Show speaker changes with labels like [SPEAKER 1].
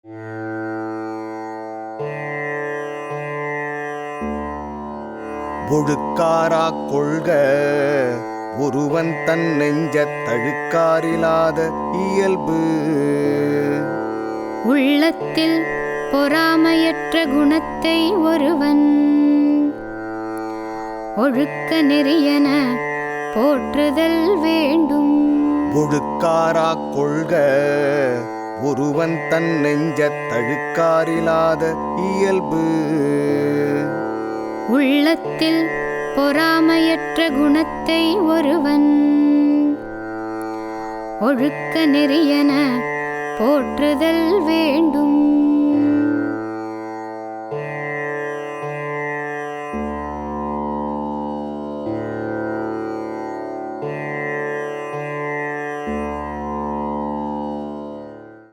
[SPEAKER 1] ஒழுக்காராக் கொள்க ஒருவன் தன் நெஞ்சத் தழுக்காரிலாத இயல்பு.
[SPEAKER 2] உள்ளத்தில் பொறாமையற்ற குணத்தை ஒருவன் ஒழுக்க நெறியென போற்றுதல் வேண்டும்.
[SPEAKER 1] ஒழுக்காராக் கொள்க ஒருவன் தன் நெஞ்சத் தழுக்காரிலாத இயல்பு.
[SPEAKER 2] உள்ளத்தில் பொறாமையற்ற குணத்தை ஒருவன் ஒழுக்க நெறியென போற்றுதல் வேண்டும்.